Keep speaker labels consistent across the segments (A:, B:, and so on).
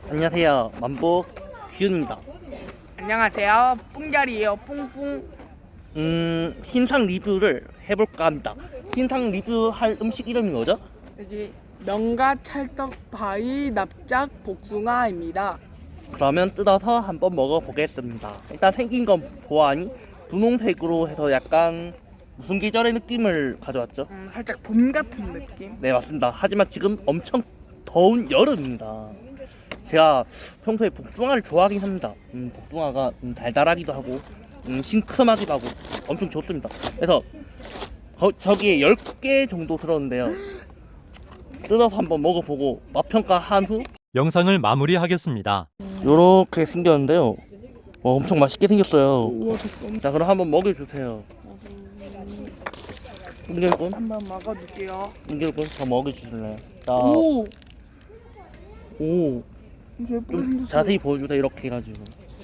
A: 안녕하세요. 만보 기훈입니다.
B: 안녕하세요. 뿡자리예요. 뿡뿡.
A: 신상 리뷰를 해볼까 합니다. 신상 리뷰할 음식 이름이 뭐죠?
B: 여기 명가 찰떡 바위 납작 복숭아입니다.
A: 그러면 뜯어서 한번 먹어보겠습니다. 일단 생긴 건 보아하니 분홍색으로 해서 약간 무슨 계절의 느낌을 가져왔죠?
B: 살짝 봄 같은 느낌.
A: 네, 맞습니다. 하지만 지금 엄청 더운 여름입니다. 제가 평소에 복숭아를 좋아하긴 합니다. 복숭아가 달달하기도 하고 싱크하기도 하고 엄청 좋습니다. 그래서 저기에 10개 정도 들었는데요. 뜯어서 한번 먹어보고 맛평가한 후
C: 영상을 마무리하겠습니다.
A: 요렇게 생겼는데요. 엄청 맛있게 생겼어요.
B: 우와 잠깐.
A: 자, 그럼 한번 먹여주세요. 은결군,
B: 한번 먹어줄게요.
A: 은결군, 저 먹여주실래요? 자,
B: 오.
A: 오,
B: 이제 예쁘게
A: 좀
B: 생겼어요.
A: 자세히 보여주세요. 이렇게 해가지고.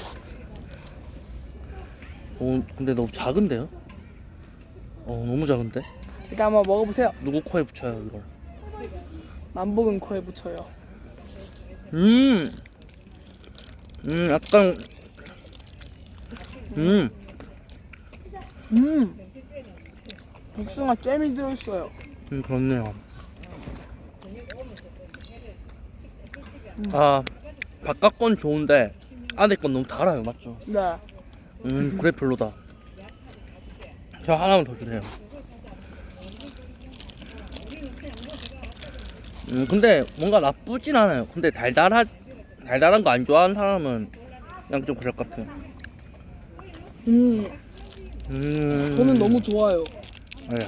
A: 근데 너무 작은데요? 너무 작은데?
B: 일단 한번 먹어보세요.
A: 누구 코에 붙여요 이걸?
B: 만복은 코에 붙여요.
A: 약간,
B: 복숭아 잼이 들어있어요.
A: 그렇네요. 아, 바깥 건 좋은데 안에 건 너무 달아요, 맞죠?
B: 네.
A: 그래 별로다. 저 하나만 더 주세요. 근데 뭔가 나쁘진 않아요. 근데 달달한 거 안 좋아하는 사람은 그냥 좀 그럴 것 같아요.
B: 저는 너무 좋아요.
A: 네.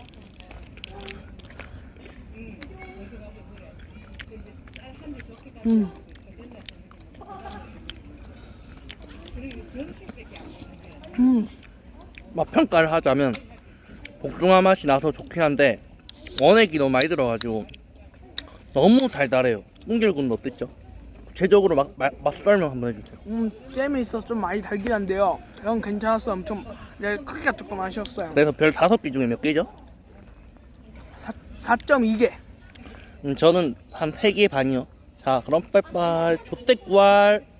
A: 맛 평가를 하자면 복숭아 맛이 나서 좋긴 한데 원액이 너무 많이 들어가지고 너무 달달해요. 꿍길군도 어땠죠? 구체적으로 맛 설명 한번 해주세요.
B: 잼이 있어서 좀 많이 달긴 한데요. 형 괜찮았어요. 엄청 크기가 조금 아쉬웠어요.
A: 그래서 별 5개 중에 몇 개죠?
B: 4.2개.
A: 저는 한 3개 반이요. 자, 그럼 빠이빠이. 조떼꾸알.